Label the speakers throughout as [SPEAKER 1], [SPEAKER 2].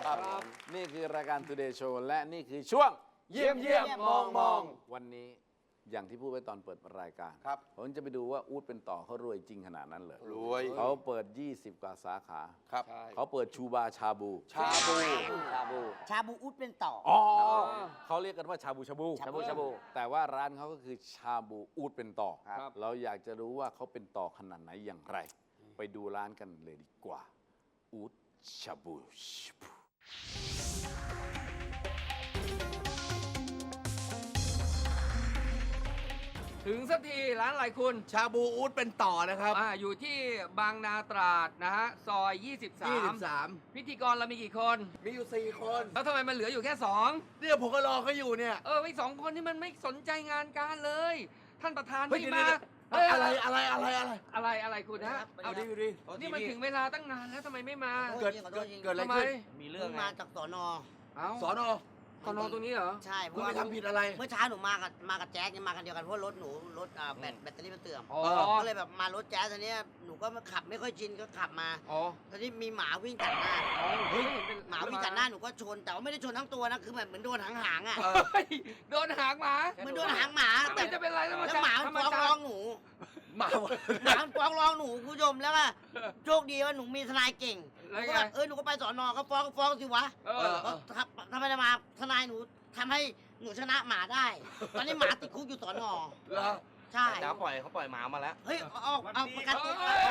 [SPEAKER 1] ครับนี่คือรายการ Today Show และนี่คือช่วง
[SPEAKER 2] เยี่ยมมอง
[SPEAKER 1] วันนี้อย่างที่พูดไว้ตอนเปิดรายการ
[SPEAKER 2] ครับ
[SPEAKER 1] ผมจะไปดูว่าอู๊ดเป็นต่อเขารวยจริงขนาดนั้นเลย
[SPEAKER 2] รวย
[SPEAKER 1] เขาเปิด 20 กว่าสาขา
[SPEAKER 2] ครับ
[SPEAKER 1] เขาเปิดชูบาชาบู
[SPEAKER 2] ชาบู
[SPEAKER 3] ชาบูอุดเป็นต่อ
[SPEAKER 1] อ๋อเขาเรียกกันว่าชาบูชาบู
[SPEAKER 3] ชาบูชาบู
[SPEAKER 1] แต่ว่าร้านเขาก็คือชาบูอู๊ดเป็นต่อ
[SPEAKER 2] ครับ
[SPEAKER 1] เราอยากจะรู้ว่าเขาเป็นต่อขนาดไหนอย่างไร ไปดูร้านกันเลยดีกว่าอู๊ดชาบู
[SPEAKER 4] ถึงสักทีร้านอะไรคุณ
[SPEAKER 2] ชาบูอู๊ดเป็นต่อนะครับ
[SPEAKER 4] อยู่ที่บางนาตราดนะฮะ ซอย 23 พิธีกรเรามีกี่คน
[SPEAKER 2] มีอยู่ 4 คน
[SPEAKER 4] แล้วทำไมมันเหลืออยู่แค่
[SPEAKER 2] เนี่ยผมก็รอเขาอยู่เนี่ย
[SPEAKER 4] 2ไอ้2 คนนี่มันไม่สนใจงานการเลย ท่านประธาน
[SPEAKER 2] เฮ้ย
[SPEAKER 4] ไม่
[SPEAKER 2] เดี๋ยว
[SPEAKER 4] มา
[SPEAKER 2] เฮ้ยอะไร
[SPEAKER 4] คุณฮะ
[SPEAKER 2] เอาดิดิ
[SPEAKER 4] นี่มันถึงเวลาตั้งนานแล้วทำไมไม่มา
[SPEAKER 2] เกิดอะไร
[SPEAKER 4] ทำไม
[SPEAKER 2] ขึ้น
[SPEAKER 3] มีเรื่องมาจากสอนอ
[SPEAKER 4] เอ้า
[SPEAKER 2] สอนอ
[SPEAKER 4] ตอนนอนตรงนี้เหรอ
[SPEAKER 3] ใช่เพ
[SPEAKER 2] คุณ
[SPEAKER 3] ราะ
[SPEAKER 2] ไป
[SPEAKER 3] ว่า
[SPEAKER 2] ทำผิดอะไร
[SPEAKER 3] เมื่อเช้าหนูมากับแจ๊คเนี่ยมากันเดียวกันเพราะรถหนูรถแบตเตอรี่มันเสื่อม
[SPEAKER 4] อ๋อ
[SPEAKER 3] ก็เลยแบบมารถแจ๊คทีนี้หนูก็ขับไม่ค่อยชินก็ขับมา
[SPEAKER 4] อ๋อ
[SPEAKER 3] ตอนนี้มีหมาวิ่งตัดหน้า
[SPEAKER 4] เฮ้ย
[SPEAKER 3] หมาวิ่งตัดหน้าหนูก็ชนแต่ว่าไม่ได้ชนทั้งตัวนะคือแบบเหมือนโดนหางๆอ่ะ
[SPEAKER 4] เฮ้ยโดนหางหมา
[SPEAKER 3] เหมือนโดนหางหมา
[SPEAKER 4] แต่จะเป็นไรแล้ว
[SPEAKER 3] แล้วหมามันฟ้องร้องหนู
[SPEAKER 2] มา
[SPEAKER 3] หมามันฟ้องร้องหนูคุณผู้ชมแล้วก็โชคดีว่าหนูมีทนายเก่งห
[SPEAKER 4] แล้ว
[SPEAKER 3] นูก็
[SPEAKER 4] ไง
[SPEAKER 3] แบบหนูก็ไปสอนอก็ฟ้องสิวะ
[SPEAKER 4] เออ
[SPEAKER 3] ทำไมมาทนายหนูทำให้หนูชนะหมาได้ ตอนนี้หมาติดคุกอยู่สอนอ
[SPEAKER 2] เหรอ
[SPEAKER 3] ใช่
[SPEAKER 5] เขาปล่อยหมามาแล้ว
[SPEAKER 3] เฮ้ยเอาประกันตัว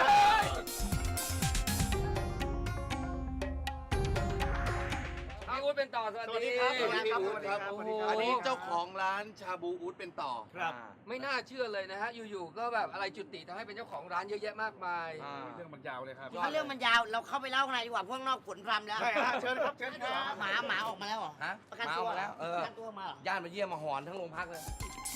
[SPEAKER 4] พี่อู๊ดเป็นต่อสวัสดี
[SPEAKER 2] สวัสดีครับสวัสดีครับ
[SPEAKER 4] โอ้โห
[SPEAKER 2] อันนี้เจ้าของร้านชาบูอู๊ดเป็นต่อ
[SPEAKER 4] ไม่น่าเชื่อเลยนะฮะ อยู่ๆ ก็แบบอะไรจุติทำให้เป็นเจ้าของร้านเยอะแยะมากมาย
[SPEAKER 6] เรื่องมันยาวเลยครับ
[SPEAKER 3] ถ้าเรื่องมันยาวเราเข้าไปเล่าข้างในดีกว่าพวกนอกฝนพรำแล้ว
[SPEAKER 6] ใช่ฮะเชิญครับเชิญครับ
[SPEAKER 3] หมาออกมาแล้วเหรอ
[SPEAKER 5] ฮะ
[SPEAKER 3] ประกันตัว
[SPEAKER 5] หมาออกมาแล้วเออ
[SPEAKER 3] ประกันตัวมาเหรอ
[SPEAKER 5] ญาติมาเยี่ยมมาหอนทั้งโรงพักเลย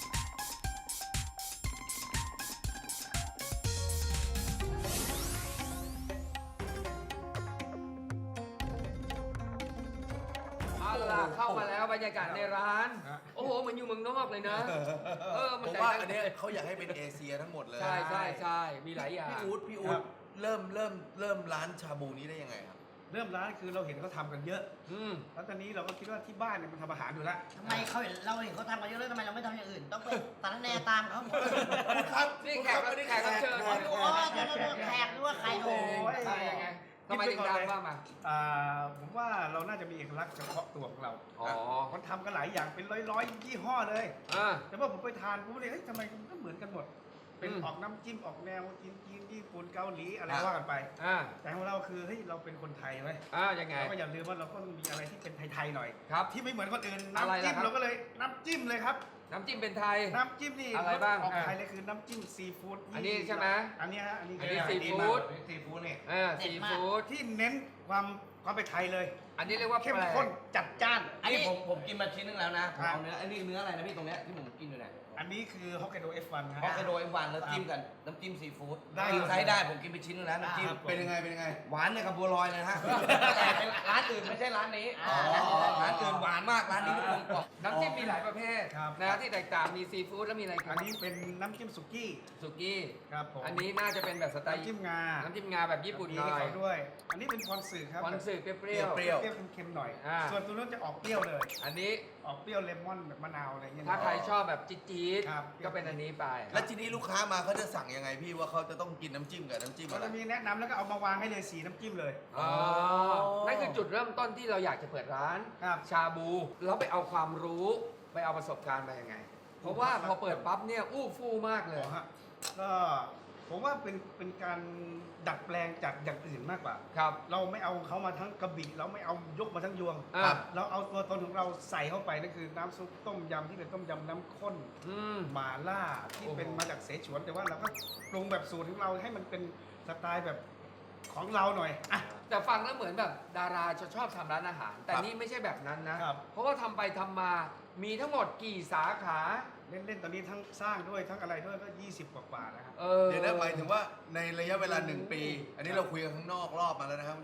[SPEAKER 4] เอาล่ะเข้ามาแล้วบรรยากาศในร้าน โอ้โหเหมือนอยู่เมืองนอกเลยนะ
[SPEAKER 2] ผ
[SPEAKER 4] มัน
[SPEAKER 2] มว่าอันเนี้ยเขาอยากให้เป็นเอเชียทั้งหมดเลย
[SPEAKER 4] ใช่มีหลายอย่าง
[SPEAKER 2] พี่อู๊ดเริ่มร้านชาบูนี้ได้ยังไงครับ
[SPEAKER 6] เริ่มร้านคือเราเห็นเขาทำกันเยอะ
[SPEAKER 4] อืม
[SPEAKER 6] แล้วตอนนี้เราก็คิดว่าที่บ้านเนี่ยมันทำอาหารอยู่แล้ว
[SPEAKER 3] ทำไมเราเห็นเขาทำกันเยอะแล้วทำไมเราไม่ทำอย่างอื่น ต้องไปสารแนตามเขาหมด
[SPEAKER 2] ครับ
[SPEAKER 4] นี่แขกรับเชิญ
[SPEAKER 3] อ๋อแขกหรือว่าใครโอ้
[SPEAKER 4] ใช่ยังไงทำไมถึงดังว่ามา
[SPEAKER 6] ผมว่าเราน่าจะมีเอกลักษณ์เฉพาะตัวของเรา
[SPEAKER 4] อ๋อ
[SPEAKER 6] คนทำกันหลายอย่างเป็นร้อยยี่ห้อเลย
[SPEAKER 4] อ่า
[SPEAKER 6] แต่ว่าผมไปทานผมเลยเฮ้ยทำไมมันก็เหมือนกันหมด เป็น
[SPEAKER 4] อืม
[SPEAKER 6] ออกน้ำจิ้มออกแนวจีนญี่ปุ่นเกาหลีอะไร
[SPEAKER 2] อ่ะ
[SPEAKER 6] ว่ากันไป
[SPEAKER 4] อ่า
[SPEAKER 6] แต่ของเราคือเฮ้ยเราเป็นคนไทยไหม
[SPEAKER 4] ยังไง
[SPEAKER 6] เราก็อย่าลืมว่าเราก็ต้องมีอะไรที่เป็นไทยๆหน่อย
[SPEAKER 4] ครับ
[SPEAKER 6] ที่ไม่เหมือนคนอื่น
[SPEAKER 4] อะไร
[SPEAKER 6] น้ำจิ้ม
[SPEAKER 4] ล่ะครับ
[SPEAKER 6] เราก็เลยน้ำจิ้มเลยครับ
[SPEAKER 4] น้ำจิ้มเป็นไทย
[SPEAKER 6] น้ำจิ้มนี่
[SPEAKER 4] อะไรบ้าง
[SPEAKER 6] ออก
[SPEAKER 4] อ่ะ
[SPEAKER 6] ไทยเลยคือน้ำจิ้มซีฟู้ด
[SPEAKER 4] อันนี้ใช่ไหม
[SPEAKER 6] อันนี้ฮะอันนี้
[SPEAKER 4] อันนี้
[SPEAKER 6] คือ
[SPEAKER 4] ซีฟู้ด
[SPEAKER 6] ซีฟู้ดเนี่ย
[SPEAKER 4] ซีฟู้ด
[SPEAKER 6] ที่เน้นความเป็นไทยเลย
[SPEAKER 4] อันนี้เรียกว่า
[SPEAKER 6] เข้ม
[SPEAKER 4] แปลก
[SPEAKER 6] ข้นจัดจ้าน
[SPEAKER 5] อันนี้ผมกินมาชิ้นนึงแล้วนะผม
[SPEAKER 6] ครับ
[SPEAKER 5] เอาเนื้ออันนี้เนื้ออะไรนะพี่ตรงเนี้ยที่ผมกินอยู่เนี่ย
[SPEAKER 6] อันนี้คือฮอกไกโด F1 นะ
[SPEAKER 5] ฮอกไกโดเวันแล้วจิ้มกันน้ำจิ้มซีฟู้ด
[SPEAKER 6] ได้
[SPEAKER 5] กินใช้ได้ผมกินไปชิ้นนึงแล้วน้ำจิ้ม
[SPEAKER 2] เป็นยังไงเป็นยังไง
[SPEAKER 5] หวานเนี่ยกับบัวลอยเลยนะฮะแต่เป็นร้านอื่นไม่ใช่ร้านนี้
[SPEAKER 2] อ๋อ
[SPEAKER 5] ร้านอื่นหวานมากร้านนี้มันกลมกล่อม
[SPEAKER 4] น้ำจิ้มมีหลายประเภท
[SPEAKER 6] ครับ
[SPEAKER 4] นะที่แตกต่างมีซีฟู้ดแล้วมีอะไร
[SPEAKER 6] อันนี้เป็นน้ำจิ้มสุกี้
[SPEAKER 4] สุกี้
[SPEAKER 6] ครับผม
[SPEAKER 4] อันนี้น่าจะเป็นแบบสไตล์
[SPEAKER 6] น้ำจิ้มงา
[SPEAKER 4] น้ำจิ้มงาแบบญี่ปุ่น
[SPEAKER 6] มี
[SPEAKER 4] หน่
[SPEAKER 6] ให้
[SPEAKER 4] อย
[SPEAKER 6] เขาด้วย อันนี้เป็นคอนสึครับ
[SPEAKER 4] คอนสึเปรี้ยว
[SPEAKER 2] เปรี้ยว
[SPEAKER 6] เปรี้ยวเค็มๆหน่อย
[SPEAKER 4] อ่า
[SPEAKER 6] ส่วนตัวนู้นจะออกเปรี้ยวเลย
[SPEAKER 4] อันนี้
[SPEAKER 6] ออกเปรี้ยวเลมอนแบบมะนาวอะไรอย่างเงี้ย
[SPEAKER 4] ถ้าใครชอบแบบจี๊ด
[SPEAKER 6] ครับ
[SPEAKER 4] ๆก็เป็นอันนี้ไป
[SPEAKER 2] แล้วทีนี้ลูกค้ามาเขาจะสั่งยังไงพี่ว่าเขาจะต้องกินน้ำจิ้มกับน้ำจิ้ม
[SPEAKER 6] เขา
[SPEAKER 2] อะไร
[SPEAKER 6] จะมีแนะนำแล้วก็เอามาวางให้เลยสีน้ำจิ้มเลย
[SPEAKER 4] อ๋อ นั่นคือจุดเริ่มต้นที่เราอยากจะเปิดร้าน
[SPEAKER 6] ครับ
[SPEAKER 4] ชาบู แล้วไปเอาความรู้ ไปเอาประสบการณ์มายังไง เพราะว่าพอเปิดปั๊บเนี่ยอู้ฟู่มากเลย
[SPEAKER 6] อ๋อฮะก็ผมว่าเป็นการดัดแปลงจากอย่างอื่นมากกว่า
[SPEAKER 4] ครับ
[SPEAKER 6] เราไม่เอาเขามาทั้งกระบี่เราไม่เอายกมาทั้งยวง
[SPEAKER 4] อ่ะ
[SPEAKER 6] เราเอาตัวตนของเราใส่เข้าไปนั่นคือน้ำซุปต้มยำที่เป็นต้มยำน้ำข้น
[SPEAKER 4] อืม
[SPEAKER 6] หมาล่าที่
[SPEAKER 4] โอ้โห
[SPEAKER 6] เป็นมาจากเสฉวน แต่ว่าเราก็ปรุงแบบสูตรของเราให้มันเป็นสไตล์แบบของเราหน่อยอ่ะ
[SPEAKER 4] แต่ฟังแล้วเหมือนแบบดาราจะชอบทำร้านอาหาร แต่นี่ไม่ใช่แบบนั้นนะ
[SPEAKER 6] ครับ
[SPEAKER 4] เพราะว่าทำไปทำมา มีทั้งหมดกี่สาขา
[SPEAKER 6] เล่นๆตอนนี้ทั้งสร้างด้วยทั้งอะไรด้วยก็20 กว่าๆนะครับ
[SPEAKER 4] เออ
[SPEAKER 2] เดี๋ยวนะหมายถึงว่าในระยะเวลา1 ปี อันนี้เราคุยกันข้างนอกรอบมาแล้วนะครับคุณผู้ชมครับ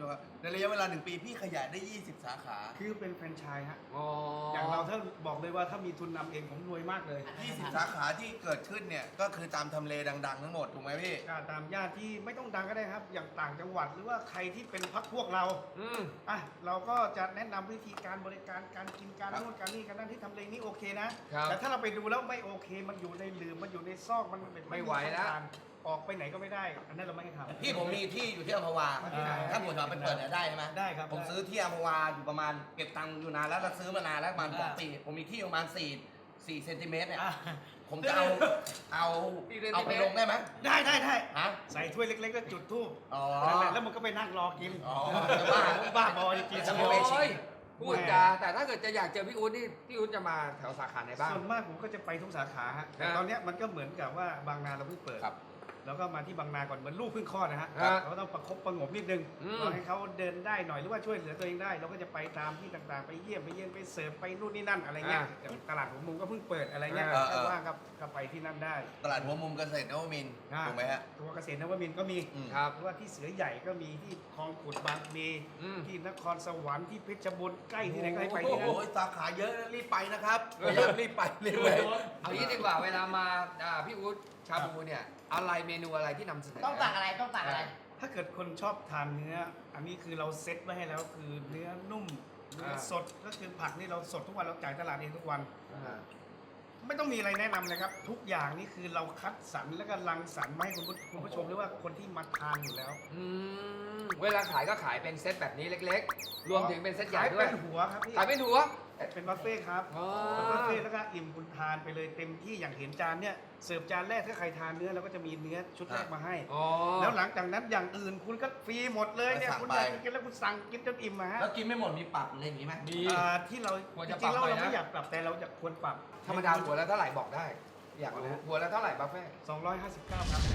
[SPEAKER 2] ในระยะเวลา1 ปีพี่ขยายได้ 20 สาขา
[SPEAKER 6] คือเป็นแฟรนไชส์ฮะ
[SPEAKER 4] อ๋อ
[SPEAKER 6] อย่างเราถ้าบอกเลยว่าถ้ามีทุนนำเองผมรวยมากเลย
[SPEAKER 2] 20 สาขาที่เกิดขึ้นเนี่ยก็คือตามทำเลดังๆทั้งหมดถูกไหมพี่
[SPEAKER 6] ก็ตามญาติที่ไม่ต้องดังก็ได้ครับ อย่างต่างจังหวัดหรือว่าใครที่เป็นพักพวกเรา
[SPEAKER 4] อืม
[SPEAKER 6] อ่ะเราก็จะแนะนำวิธีการบริการการกินการนวดการนี่การนั่นที่ทำเลนี้โอเคนะ
[SPEAKER 4] ครับ
[SPEAKER 6] แต่ถ้าเราไปดูแล้วไม่โอเค มันอยู่ในหลืมมันอยู่ในซอกมัน
[SPEAKER 4] ไม่ไหวแล้ว
[SPEAKER 6] ออกไปไหนก็ไม่ได้ อันนั้นเราไม่ให้ทำ
[SPEAKER 5] พี่ผมมีที่อยู่ที่อัมพวา ถ้าผมจะไปเปิดเนี่ยได้ใช่ไหม
[SPEAKER 6] ได้ครับ
[SPEAKER 5] ผมซื้อที่อัมพวาอยู่ประมาณเก็บตังค์อยู่นานแล้วซื้อมานานแล้วประมาณ2 ปี ผมมีที่ประมาณ4 เซนติเมตรเนี่ย
[SPEAKER 6] อ่ะ
[SPEAKER 5] ผมจะเอาไปลงได้ไหม
[SPEAKER 6] ได้ได้ได้
[SPEAKER 5] ฮะ
[SPEAKER 6] ใส่ถ้วยเล็กๆแล้วจุดธูป
[SPEAKER 5] อ๋อ
[SPEAKER 6] แล้วมันก็ไปนั่งรอกิน
[SPEAKER 5] อ๋อ
[SPEAKER 6] บ้าบอจริง
[SPEAKER 5] จะ
[SPEAKER 6] ๆ
[SPEAKER 5] ไม่ไป
[SPEAKER 4] โอ้ยพูดจาแต่ถ้าเกิดจะอยากเจอพี่อู๊ดนี่พี่อู๊ดจะมาแถวสาขาไหนบ้าง
[SPEAKER 6] ส่วนมากผมก็จะไปทุกสาขาฮะแต่ตอนเนี้ยมันก็เหมือนกับว่าบางนาเราเพิ่งเปิด
[SPEAKER 5] ครับ
[SPEAKER 6] แล้วก็มาที่บางนาก่อนเหมือนลูกเพิ่งคลอดนะฮะ
[SPEAKER 4] ครับ
[SPEAKER 6] เราก็ต้องประคบประหงมนิดนึง
[SPEAKER 4] อืม
[SPEAKER 6] รอให้เขาเดินได้หน่อยหรือว่าช่วยเหลือตัวเองได้ เราก็จะไปตามที่ต่างๆ ไปเยี่ยมไปเยี่ยมไปเสิร์ฟไปนู่นนี่นั่นอะไรเงี้ยอย่างตลาดหัวมุมก็เพิ่งเปิดอะไรเงี้ย
[SPEAKER 2] อ่า
[SPEAKER 6] ถ้าว่างก็ไปที่นั่นได้
[SPEAKER 2] ตลาดหัวมุมเกษตรนวมินทร์ถูกไหมฮะ
[SPEAKER 6] ตัวเกษตรนวมินทร์ก็มี
[SPEAKER 2] อืม
[SPEAKER 4] ครับ
[SPEAKER 6] หรือว่าที่เสือใหญ่ก็มีที่คลองขุดบางพลี
[SPEAKER 4] อืม
[SPEAKER 6] ที่นครสวรรค์ที่เพชรบูรณ์ใกล้ที่ไหนก็ให้ไปที่
[SPEAKER 2] โอ้
[SPEAKER 6] นั่น
[SPEAKER 2] โหสาขาเยอะนะรีบไปนะครับพยายามรีบไปรีบไป
[SPEAKER 4] เอางี้ดีกว่าเวลามาพี่อู๊ดชาบูเนี่ยอะไรเมนูอะไรที่นำเสนอ
[SPEAKER 3] ต้องต่างอะไรต้องต่างอะไร
[SPEAKER 6] ถ้าเกิดคนชอบทานเนื้อ อันนี้คือเราเซ็ตไว้ให้แล้วคือเนื้อนุ่มเนื้อสดก็คือผักนี่เราสดทุกวันเราจ่ายตลาดเองทุกวัน
[SPEAKER 4] อ่า
[SPEAKER 6] ไม่ต้องมีอะไรแนะนำเลยครับ ทุกอย่างนี่คือเราคัดสรรแล้วก็รังสรรค์มาให้คุณผู้ชมหรือว่าคนที่มาทานอยู่แล้ว
[SPEAKER 4] อืมเวลาขายก็ขายเป็นเซตแบบนี้เล็กๆ รวมถึงเป็นเซตใหญ่
[SPEAKER 6] ขาย
[SPEAKER 4] ด้วย
[SPEAKER 6] เป็นหัวครับพี่
[SPEAKER 4] ขายเป็นหัว
[SPEAKER 6] เป็นบุฟเฟ่ต์ครับ
[SPEAKER 4] อ๋อ
[SPEAKER 6] เป็นบุฟเฟ่ต์แล้วก็อิ่มคุณทานไปเลยเต็มที่อย่างเห็นจานเนี่ยเสิร์ฟจานแรกถ้าใครทานเนื้อเราก็จะมีเนื้อชุดแรกมาให้
[SPEAKER 4] อ๋อ
[SPEAKER 6] แล้วหลังจากนั้นอย่างอื่นคุณก็ฟรีหมดเลยเนี่ย
[SPEAKER 2] สั่ง
[SPEAKER 6] คุณ
[SPEAKER 2] ไป
[SPEAKER 6] อยากกินแล้วคุณสั่งกินจนอิ่มมาฮะ
[SPEAKER 5] แล้วกินไม่หมดมีปรับอะไรอย่างงี้ไหม
[SPEAKER 4] มี
[SPEAKER 6] ที่เรา
[SPEAKER 4] ควร
[SPEAKER 6] จ
[SPEAKER 4] จะ
[SPEAKER 6] ริงๆแล้ว
[SPEAKER 4] ปรับหน่อยนะ
[SPEAKER 6] เราไม่อยากปรับแต่เราจะควรปรับ
[SPEAKER 4] ธรรมดาหัวละเท่าไหร่บอกได้ อยากรู้หัวละเท่าไหร่บัฟเฟ่ต์
[SPEAKER 6] 259ครับ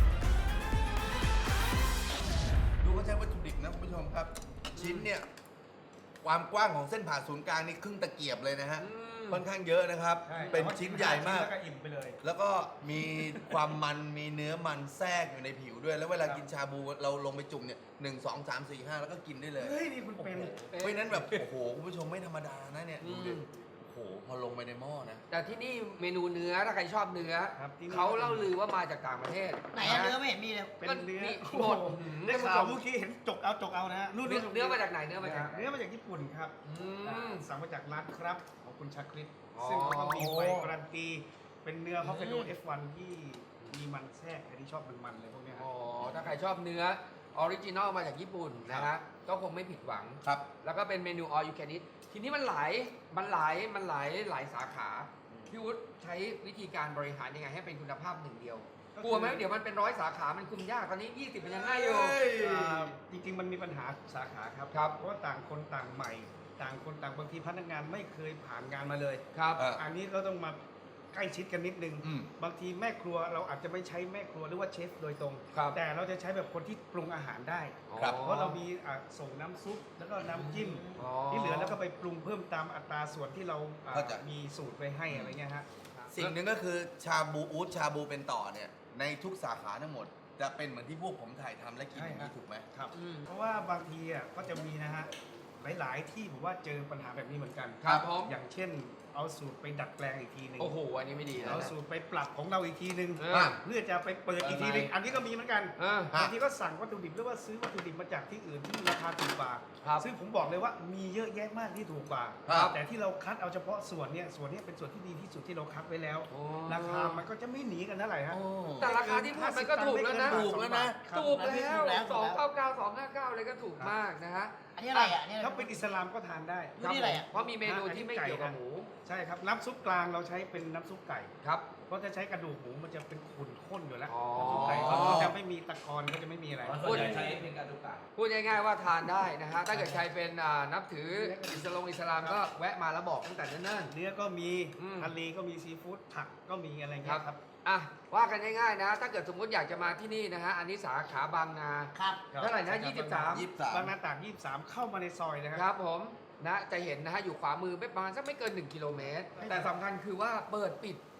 [SPEAKER 2] ดูเขาใช้วัตถุดิบนะคุณผู้ชมครับ ชิ้นเนี่ยความกว้างของเส้นผ่าศูนย์กลางนี่ครึ่งตะเกียบเลยนะฮะ ค่อนข้างเยอะนะครับ
[SPEAKER 6] ใช่
[SPEAKER 2] เป็นชิ้นใหญ่มาก
[SPEAKER 6] แล้วก็อิ่มไปเลย
[SPEAKER 2] แล้วก็มีความมันมีเนื้อมันแทรกอยู่ในผิวด้วย แล้วเวลากินชาบูเราลงไปจุ่มเนี่ย1 2 3 4 5 แล้วก็กินได้เลย
[SPEAKER 6] เฮ้ย นี่คุณเป็น
[SPEAKER 2] เพราะฉะนั้นแบบ โอ้โห คุณผู้ชมไม่ธรรมดานะเนี่ยดูดิโอ้โห พอลงไปในหม้อนะ
[SPEAKER 4] แต่ที่นี่เมนูเนื้อถ้าใครชอบเนื้อ
[SPEAKER 6] ครับที่นี่
[SPEAKER 4] เขาเล่าลือว่ามาจากต่างประเทศ
[SPEAKER 3] ไหนอะเนื้อไม่เห็นมีเลย
[SPEAKER 6] เป็นเนื้อ
[SPEAKER 4] นี่
[SPEAKER 6] โอ้
[SPEAKER 4] หมด
[SPEAKER 6] โห
[SPEAKER 4] ได้
[SPEAKER 6] ได้
[SPEAKER 4] ข่า
[SPEAKER 6] ข่าว วเมื่อกี้เห็นจกเอานะฮะ
[SPEAKER 4] เนื้อมาจากไหนเนื้อมาจากไหน
[SPEAKER 6] เนื้อมาจากญี่ปุ่นครับ
[SPEAKER 4] อืม
[SPEAKER 6] สั่งมาจากร้านครับของคุณชาคริต
[SPEAKER 4] อ๋อ
[SPEAKER 6] ซึ่งเขาก็มีใบการันตี เป็นเนื้อฮอกไกโด F1 ที่มีมันแทรกใครที่ชอบมันๆเลยพวกเนี้ยฮะ
[SPEAKER 4] อ๋อถ้าใครชอบเนื้อออริจินอลมาจากญี่ปุ่นนะฮะก็คงไม่ผิดหวัง
[SPEAKER 2] ครับ
[SPEAKER 4] แล้วก็เป็นเมนู all you can eat ทีนี้มันหลายสาขาพี่วุฒิใช้วิธีการบริหารยังไงให้เป็นคุณภาพหนึ่งเดียว
[SPEAKER 6] ก็คือ
[SPEAKER 4] กลัวไหมเดี๋ยวมันเป็น100 สาขามันคุมยากตอนนี้ 20มันยังง่ายอยู่
[SPEAKER 6] จริงๆ มันมีปัญหาสาขาครับ
[SPEAKER 4] ครับ
[SPEAKER 6] เพราะว่าต่างคนต่างใหม่ ต่างคนต่างบางทีพนักงานไม่เคยผ่านงานมาเลย
[SPEAKER 4] ครับ
[SPEAKER 6] อันนี้ก็ต้องมาใกล้ชิดกันนิดนึง
[SPEAKER 2] อืม
[SPEAKER 6] บางทีแม่ครัวเราอาจจะไม่ใช้แม่ครัวหรือว่าเชฟโดยตรง
[SPEAKER 4] ครับ
[SPEAKER 6] แต่เราจะใช้แบบคนที่ปรุงอาหารได้
[SPEAKER 2] ครับ
[SPEAKER 6] เพราะเรามีส่งน้ำซุปแล้วก็น้ำจิ้ม
[SPEAKER 4] อ๋อ
[SPEAKER 6] ที่เหลือแล้วก็ไปปรุงเพิ่มตามอัตราส่วนที่เรา
[SPEAKER 2] เข้าใจ
[SPEAKER 6] มีสูตรไว้ให้อะไรเงี้ยฮะ
[SPEAKER 2] สิ่งหนึ่งก็คือชาบูอู๊ดชาบูเป็นต่อเนี่ย ในทุกสาขาทั้งหมด จะเป็นเหมือนที่พวกผมถ่ายทำและกินอย่างนี้ถูกไหม
[SPEAKER 6] ครับ
[SPEAKER 4] อืม
[SPEAKER 6] เพราะว่าบางทีก็จะมีนะฮะหลายๆที่ผมว่าเจอปัญหาแบบนี้เหมือนกัน
[SPEAKER 4] ครับผม
[SPEAKER 6] อย่างเช่น เอาสูตรไปดัดแปลงอีกทีหนึ่ง
[SPEAKER 4] โอ้โหอันนี้ไม่ดีแล้ว
[SPEAKER 6] เอา
[SPEAKER 4] นะ
[SPEAKER 6] สูตรไปปรับของเราอีกทีหนึ่ง
[SPEAKER 4] อ่า
[SPEAKER 6] เพื่อจะไปเปิดอีกทีหนึงอันนี้ก็มีเหมือนกัน
[SPEAKER 4] อ่า
[SPEAKER 6] บางทีก็สั่งวัตถุดิบหรือว่าซื้อวัตถุดิบมาจากที่อื่นที่ราคาถูกกว่า
[SPEAKER 4] ครับ
[SPEAKER 6] ซึ่งผมบอกเลยว่ามีเยอะแยะมากที่ถูกกว่า
[SPEAKER 2] ครับ
[SPEAKER 6] แต่ที่เราคัดเอาเฉพาะส่วนเนี้ยเป็นส่วนที่ดีที่สุดที่เราคัดไว้แล้ว
[SPEAKER 4] โอ้
[SPEAKER 6] ราคามันก็จะไม่หนีกันเท่าไหร่ฮะ
[SPEAKER 4] แต่ราคาที่พูดมันก็ถูกแล้วนะ
[SPEAKER 2] ถูกแล้วนะ
[SPEAKER 4] ถูกแล้ว299 259เลยก็ถูกมากนะฮะ
[SPEAKER 3] อันนี้อะไรอ่ะอันนี้อะไร
[SPEAKER 6] ถ้าเป็นอิสลามก็ทานได้
[SPEAKER 3] อยู่นี่อะไรอ่ะ
[SPEAKER 4] เพราะมีเมนูที่ไม่เกี่ยวกับหมู
[SPEAKER 6] ใช่ครับน้ำซุปกลางเราใช้เป็นน้ำซุปไก่
[SPEAKER 4] ครับ
[SPEAKER 6] เพราะถ้าใช้กระดูกหมูมันจะเป็นขุ่นข้นอยู่แล้ว
[SPEAKER 4] อ๋อ
[SPEAKER 6] น้ำซุปไก่เขาก็จะไม่มีตะกอนก็จะไม่มีอะไร
[SPEAKER 5] ส่วนใหญ่ใช้เป็นกระดูกไก่
[SPEAKER 4] พูดง่ายๆว่าทานได้นะฮะ ถ้าเกิดใครเป็นนับถืออิสลามก็แวะมาแล้วบอกตั้งแต่เนิ่น
[SPEAKER 6] เนื้อก็มี
[SPEAKER 4] อืม
[SPEAKER 6] ทะเลก็มีซีฟู้ดผักก็มีอะไร
[SPEAKER 4] ๆค
[SPEAKER 6] เงี้
[SPEAKER 4] รับ
[SPEAKER 6] ยครับ
[SPEAKER 4] อ่ะว่ากันง่ายๆนะ ถ้าเกิดสมมติอยากจะมาที่นี่นะฮะ อันนี้สาขาบางนา
[SPEAKER 3] ครับ
[SPEAKER 4] เท่าไหร่นะ
[SPEAKER 2] 23
[SPEAKER 6] บางนาตาก23 เข้ามาในซอยนะค
[SPEAKER 4] ค
[SPEAKER 6] รั
[SPEAKER 4] รับผมนะจะเห็นนะฮะอยู่ขวามือไม่ประมาณสักไม่เกิน1 กิโลเมตร แต่สำคัญคือว่าเปิดปิด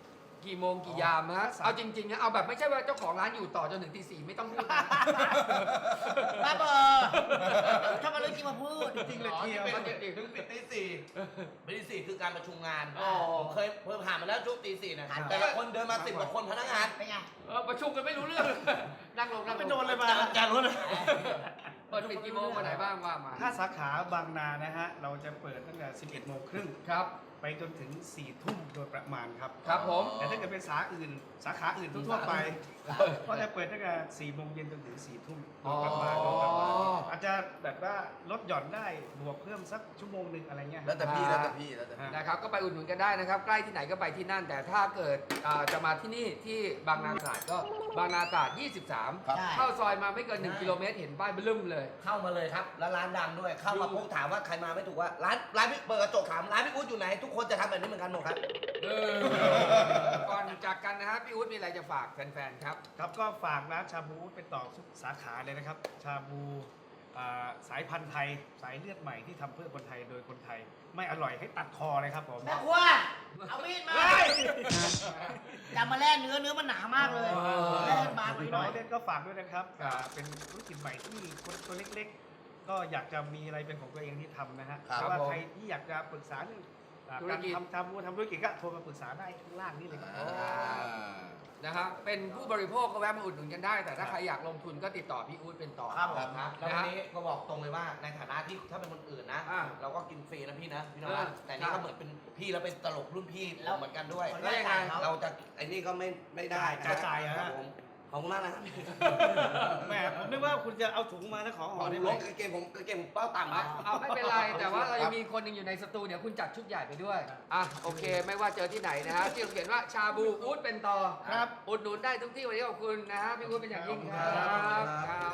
[SPEAKER 4] กี่โมงกี่ยามฮะเอาจริงๆนะเอาแบบไม่ใช่ว่าเจ้าของร้านอยู่ต่อจนถึงตี 4ไม่ต้องพูดนะ
[SPEAKER 3] บ้าบอถ้ามาเรื่องจริงมาพูด
[SPEAKER 6] จริงเลยเที่ยว
[SPEAKER 5] มันจะถึงปิดตีสี่ปิดตีสี่คือการประชุมงาน
[SPEAKER 4] อ๋อ
[SPEAKER 5] ผมเคยผ่านมาแล้วช่วงตีสี่นะ
[SPEAKER 3] ครับ
[SPEAKER 5] แต่ละคนเดินมา10 กว่าคนพนักงาน
[SPEAKER 3] เป็นไง
[SPEAKER 4] ประชุมกันไม่รู้เรื่อง นั่งลง
[SPEAKER 6] ไปโดนเลยมา
[SPEAKER 5] จานรู้นะ
[SPEAKER 4] เปิดปิดกี่โมงวันไหนบ้างว่ามา
[SPEAKER 6] ถ้าสาขาบางนานะฮะ เราจะเปิดตั้งแต่ 11 โมงครึ่ง
[SPEAKER 4] ครับ
[SPEAKER 6] ไปจนถึง 4 ทุ่มโดยประมาณครับ
[SPEAKER 4] ครับผม
[SPEAKER 6] แต่ถ้าเกิดเป็นสาขาอื่นทั่วๆไป ก็จะเปิดตั้งแต่ 4 โมงเย็นจนถึง 4 ทุ่มโดยประมาณ
[SPEAKER 4] อ๋อ
[SPEAKER 6] โดยประมาณอาจจะแบบว่าลดหย่อนได้บวกเพิ่มสักชั่วโมงหนึ่งอะไรเงี้ย
[SPEAKER 2] แล้วแต่พี่แล้วแต่พี่แล้วแต่พี่
[SPEAKER 4] นะครับก็ไปอุดหนุนกันได้นะครับ ใกล้ที่ไหนก็ไปที่นั่น แต่ถ้าเกิดจะมาที่นี่ที่บางนาตราดก็บางนาตราด 23
[SPEAKER 2] ครับ
[SPEAKER 4] เข้าซอยมาไม่เกิน 1 กิโลเมตรเห็นป้ายเบลึ้มเลย
[SPEAKER 5] เข้ามาเลยครับ แล้วร้านดังด้วย เข้ามาปุ๊บถามว่าใครมาไม่ถูกว่าร้านพี่เปิดกระจกถามร้านพี่อุ๊ดอยู่ไหน ทุกคนจะทำแบบนี้เหมือนกันหมดครับ
[SPEAKER 4] ก่อนจากกันนะครับพี่อุ๊ดมีอะไรจะฝากแฟนๆครับ
[SPEAKER 6] ครับก็ฝากร้านชาบูเป็นต่อทุกสาขาเลยนะครับ ชาบูสายพันธุ์ไทย สายเลือดใหม่ที่ทำเพื่อคนไทยโดยคนไทย ไม่อร่อยให้ตัดคอเลยครับผม
[SPEAKER 3] แม่ครัวเอามีดมาจับมาแล่เนื้อมันหนามากเลยแล่บางไปห
[SPEAKER 6] น้
[SPEAKER 3] น่
[SPEAKER 6] อ
[SPEAKER 3] อย ย
[SPEAKER 6] เล่นก็ฝากด้วยนะครับเป็นธุรกิจใหม่ที่คนตัวเล็กๆ ก็อยากจะมีอะไรเป็นของตัวเองที่ทำนะฮะ
[SPEAKER 2] ครับ
[SPEAKER 6] แต่ว่า
[SPEAKER 4] ผม
[SPEAKER 6] ใครที่อยากจะปรึกษาเรื่อง
[SPEAKER 4] ธุร
[SPEAKER 6] การ
[SPEAKER 4] กิจ
[SPEAKER 6] ทำธุรกิจก็โทรมาปรึกษาได้ข้างล่างนี่เลยครับ
[SPEAKER 4] นะครับเป็นผู้บริโภคก็แวะมาอุดหนุนกันได้ แต่ถ้าใครอยากลงทุนก็ติดต่อพี่อุ๊ดเป็นต่อ
[SPEAKER 5] ครับผม
[SPEAKER 4] นะ
[SPEAKER 5] แล้ววันนี้ก็บอกตรงเลยว่าในฐานะที่ถ้าเป็นคนอื่นนะ
[SPEAKER 4] อ่า
[SPEAKER 5] เราก็กินฟรีนะพี่นะพี่น
[SPEAKER 4] เอ
[SPEAKER 5] วั
[SPEAKER 4] อ
[SPEAKER 5] ดแต่นี่ก็เหมือนเป็นพี่แล้วเป็นตลกรุ่นพี่
[SPEAKER 3] แล้ว
[SPEAKER 5] เหมือนกันด้วย
[SPEAKER 3] แล้วยังไง
[SPEAKER 5] เราจะไอ้นี่ก็ไม่ได้
[SPEAKER 6] จ่ายอะ
[SPEAKER 5] ครับผมขอบคุณมากนะครับ
[SPEAKER 6] แหมผมนึกว่าคุณจะเอาถุงมาแล้วของห่อได้
[SPEAKER 5] ล
[SPEAKER 6] ไหม
[SPEAKER 5] งกางเกงผมเป้าต่ำครับ
[SPEAKER 4] เอาไม่เป็นไร แต่ว่าเรายังมีคนหนึ่งอยู่ในสตูเดี๋ยวคุณจัดชุดใหญ่ไปด้วยอ่ะโอเค ไม่ว่าเจอที่ไหนนะฮะที่เขียนว่าชาบูอุ๊ดเป็นต่อ
[SPEAKER 6] ครับ
[SPEAKER 4] อุดหนุนได้ทุกที่วันนี้ขอบคุณนะฮะพี่อุ๊ดเป็นอย่างยิ่งครับครับ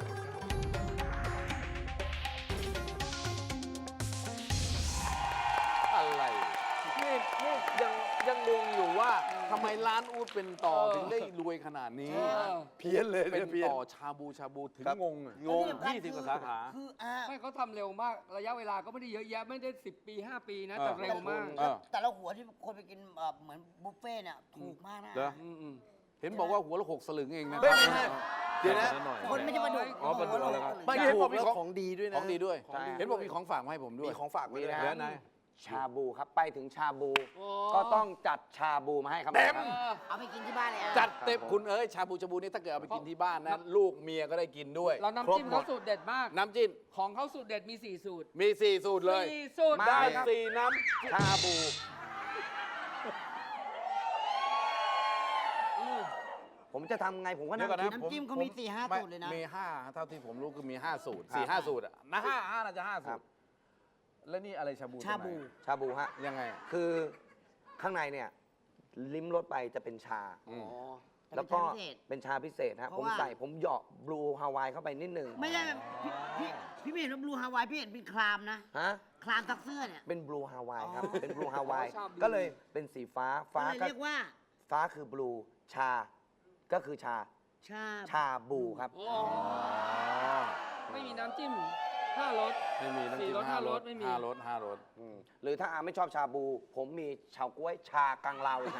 [SPEAKER 1] อะไรนี่ยังงงอยู่ว่าทำไมร้านอูดเป็นต่อถึงได้รวยขนาดนี้
[SPEAKER 2] เพี้ยนเลย
[SPEAKER 1] เป็น
[SPEAKER 2] เพี้ยน
[SPEAKER 1] ต่อชาบูถึง
[SPEAKER 2] ครับ
[SPEAKER 1] งงอะ
[SPEAKER 2] งง
[SPEAKER 1] 20 กว่าสาขา
[SPEAKER 3] คือ
[SPEAKER 4] ไม่เขาทำเร็วมาก ระยะเวลาก็ไม่ได้เยอะแยะ ไม่ได้ 10 ปี 5 ปีนะ แต่เร็วมาก
[SPEAKER 1] เออ
[SPEAKER 3] แต่ละหัวที่คนไปกินเหมือนบุฟเฟ่ต์เนี่ยถูกมากนะ
[SPEAKER 1] เหรอ
[SPEAKER 4] อืม
[SPEAKER 1] เห็นบอกว่าหัวละ6 สลึงเองนะ
[SPEAKER 2] เฮ้ยไม่ใช่เดี๋ยวนะ
[SPEAKER 1] หน่อย
[SPEAKER 3] คนไม่ใช่ปลาดุก
[SPEAKER 1] อ๋อปลาดุกแล้วครับ
[SPEAKER 2] ไม่เห็นบอกมีของดีด้วยนะ
[SPEAKER 1] ของดีด้วย
[SPEAKER 5] ใช่
[SPEAKER 1] เห็นบอกมีของฝากมาให้ผมด้วย
[SPEAKER 2] มีของฝากไว้
[SPEAKER 5] มี
[SPEAKER 2] ด้วย
[SPEAKER 5] นะ
[SPEAKER 1] เดี๋ยวนะ
[SPEAKER 5] ชาบูครับไปถึงชาบู
[SPEAKER 4] โอ้
[SPEAKER 5] ก็ต้องจัดชาบูมาให้ครับ
[SPEAKER 1] เต็ม
[SPEAKER 3] เอาไปกินที่บ้านเลยอ่ะ
[SPEAKER 1] จัดเต็มคุณเอ้ยชาบูนี่ถ้าเกิดเอาไปกินที่บ้านนะ ลูกเมียก็ได้กินด้วย
[SPEAKER 4] เราน้ำจิ้ม
[SPEAKER 1] คร
[SPEAKER 4] เขา
[SPEAKER 1] บหด
[SPEAKER 4] สูตรเด็ดมาก
[SPEAKER 1] น้ำจิ้ม
[SPEAKER 4] ของเขาสูตรเด็ดมี 4 สูตร
[SPEAKER 1] มี 4 สูตรเลย
[SPEAKER 4] 4 สูตร
[SPEAKER 5] มา
[SPEAKER 1] ได้
[SPEAKER 5] ครับ
[SPEAKER 1] 4 น้ำ
[SPEAKER 5] ชาบู ผมจะทำไงผมก็นั่ง
[SPEAKER 1] เดี๋ยวก่อนนะ
[SPEAKER 5] คิด
[SPEAKER 3] น้ำจิ้มเขามี4-5
[SPEAKER 1] ไม่
[SPEAKER 3] สูตรเลยนะ
[SPEAKER 1] มี5เท่าที่ผมรู้คือมี 5 สูตร
[SPEAKER 5] ครับ
[SPEAKER 1] 4-5 สูตรอะนะ5น่าจะ5 สู
[SPEAKER 5] ครั
[SPEAKER 1] ต
[SPEAKER 5] บ
[SPEAKER 1] ร แล้วนี่อะไรชาบู
[SPEAKER 3] ชาบู
[SPEAKER 1] ตรงไหน
[SPEAKER 5] ชาบูฮะ
[SPEAKER 1] ยังไงอะ
[SPEAKER 5] คือข้างในเนี่ยลิ้มรสไปจะเป็นชา
[SPEAKER 1] อืม
[SPEAKER 5] แล้วก็เป็นชาพิเศษฮะ
[SPEAKER 3] เพ
[SPEAKER 5] ผ
[SPEAKER 3] ราะ
[SPEAKER 5] ม
[SPEAKER 3] ว่า
[SPEAKER 5] ใส่ผมเหยาะบลูฮาวายเข้าไปนิดนึง
[SPEAKER 3] ไม่ใช่พี่ไม่เห็นว่าบลูฮาวายพี่เห็นเป็นคลามนะ
[SPEAKER 5] ฮะ
[SPEAKER 3] คลามซักเสื้อเนี่ย
[SPEAKER 5] เป็นบลูฮาวายครับ
[SPEAKER 3] อ๋อ
[SPEAKER 5] เป็นบลูฮาวาย
[SPEAKER 4] ชาบู
[SPEAKER 5] ก็เลยเป็นสีฟ้า
[SPEAKER 3] ก็
[SPEAKER 5] ฟ้า
[SPEAKER 3] เลย
[SPEAKER 5] ก็
[SPEAKER 3] เรียกว่า
[SPEAKER 5] ฟ้าคือบลูชา ก็คือชา
[SPEAKER 3] ชา
[SPEAKER 5] ชาบูครับ
[SPEAKER 4] โอ้ไม่มีน้ำจิ้ม5 รส
[SPEAKER 1] ไม่มีน้ำจิ้ม
[SPEAKER 4] 4 รส
[SPEAKER 1] 5 รส
[SPEAKER 4] ไม่มี
[SPEAKER 1] 5 รส5 รส
[SPEAKER 5] หรือถ้าอาไม่ชอบชาบู ผมมีชาวกล้วยชากังลาวอีกนะ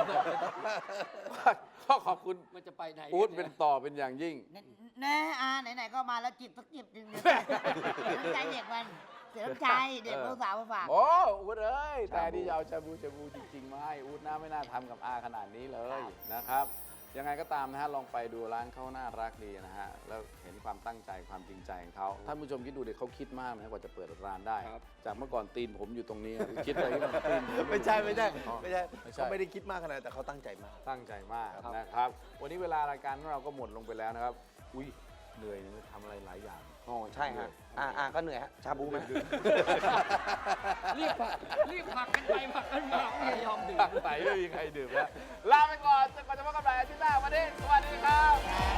[SPEAKER 1] ก็ขอบคุณ
[SPEAKER 4] มันจะไปไหน
[SPEAKER 1] อู๊ดเป็นต่อเป็นอย่างยิ่ง
[SPEAKER 3] แน่ไหนๆก็มาแล้วจิบสักจิบหนึงเสียน้ำใจเด็กมันเสียน้ำใจเด็กสาวมาฝาก
[SPEAKER 1] โอ้อู๊ดเอ้ยแต่ที่จะเอาชาบูจริงๆมาให้อู๊ดน่าไม่น่าทำกับอาขนาดนี้เลยนะครับ ยังไงก็ตามนะฮะลองไปดูร้านเขาน่ารักดีนะฮะแล้วเห็นความตั้งใจความจริงใจของเขาท่านผู้ชมคิดดูเด็กเขาคิดมากนะกว่าจะเปิดร้านได้ จากเมื่อก่อนตีนผมอยู่ตรงนี้คิดอะไรที่มันตีนผม
[SPEAKER 2] ไม่ใช่
[SPEAKER 1] ไม่ใช่
[SPEAKER 2] เขาไม่ได้คิดมากขนาดนั้นแต่เขาตั้งใจมาก
[SPEAKER 1] ตั้งใจมากนะครับ วันนี้เวลารายการของเราก็หมดลงไปแล้วนะครับ อุ้ยเหนื่อยนะทำอะไรหลายอย่าง
[SPEAKER 5] อ๋อใช่ฮะก็เหนื่อยฮะ ชาบูไหม
[SPEAKER 4] รีบผลักกันไปผลักกันมาไม่ยอมดื่ม
[SPEAKER 1] ไหนไม่มีใครดื่มแล้วลาไปก่อนจนกว่าจะพบกันใหม่อาทิตย์หน้าวันนี้สวัสดีครับ